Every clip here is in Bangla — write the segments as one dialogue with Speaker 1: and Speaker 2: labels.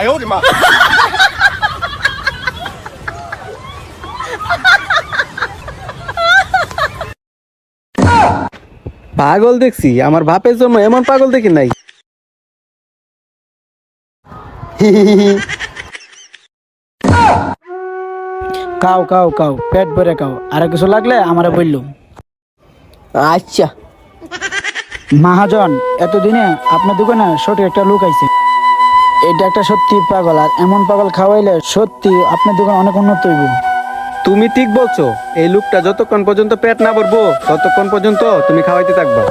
Speaker 1: পাগল দেখছি, আমার বাপের জন্য এমন পাগল দেখি নাই।
Speaker 2: কাও কাও কাও, পেট ভরে কাও, আর কিছু লাগলে আমারে বললো।
Speaker 3: আচ্ছা।
Speaker 2: মহাজন, এতদিনে আপনার দোকানে সঠিক একটা লোক আইছে। এটা একটা সত্যি পাগল, আর এমন পাগল খাওয়াইলে সত্যি আপনার দোকান অনেক উন্নত হইব।
Speaker 1: তুমি ঠিক বলছো, এই লোকটা যতক্ষণ পর্যন্ত পেট না ভরবো ততক্ষণ পর্যন্ত তুমি খাওয়াইতে থাকবা।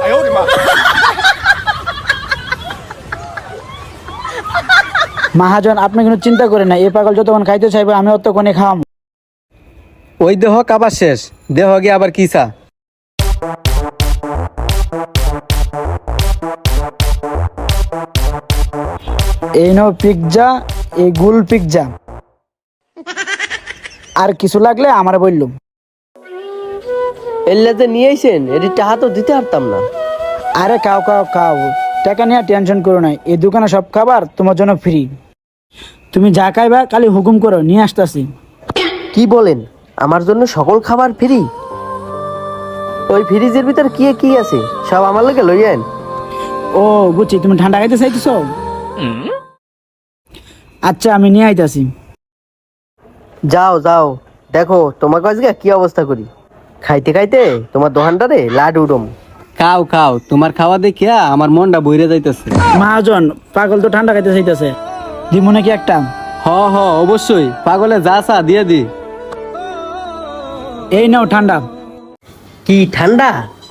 Speaker 2: মহাজন, আপনি কোনো চিন্তা করেন না, এই পাগল যতক্ষণ খাইতে চাইবে আমি অতক্ষণে খাওয়াবো।
Speaker 1: ওই দেহ কাবার শেষ, দেহ গিয়ে আবার কিসা।
Speaker 2: এই নো পিৎজা, এই গুল পিৎজা। আর কিছু লাগলে আমারে বললো।
Speaker 3: এল্লা যে নিয়ে আইছেন, এটি টাকা তো দিতে পারতাম না।
Speaker 2: আরে খাও খাও খাও, টাকা নিয়ে টেনশন করো না, এই দোকানে সব খাবার তোমার জন্য ফ্রি। তুমি যা খাইবা খালি হুকুম করো, নিয়ে আসতেছি।
Speaker 3: কি বলেন, আমার জন্য সকল খাবার ফ্রি? ওই ফ্রিজের ভিতর কি কি আছে সব আমার লাগে লইয়েন।
Speaker 2: ও বুঝছি, তুমি ঠান্ডা খাইতে চাইতেছ। আচ্ছা, আমি নিয়ে আইতাছি।
Speaker 3: যাও যাও, দেখো তোমাকে আজকে কি অবস্থা করি। খাইতে খাইতে তোমার দোকানটারে লাড উডম।
Speaker 1: খাও খাও, তোমার খাওয়া দেখিয়া আমার মনটা বইরে যাইতেছে।
Speaker 2: মহাজন, পাগল তো ঠান্ডা খাইতে চাইতেছে, দিব নাকি একটা?
Speaker 1: হ হ, অবশ্যই, পাগলে যা চা দিয়ে দি।
Speaker 2: এই নাও ঠান্ডা।
Speaker 3: কি ঠান্ডা?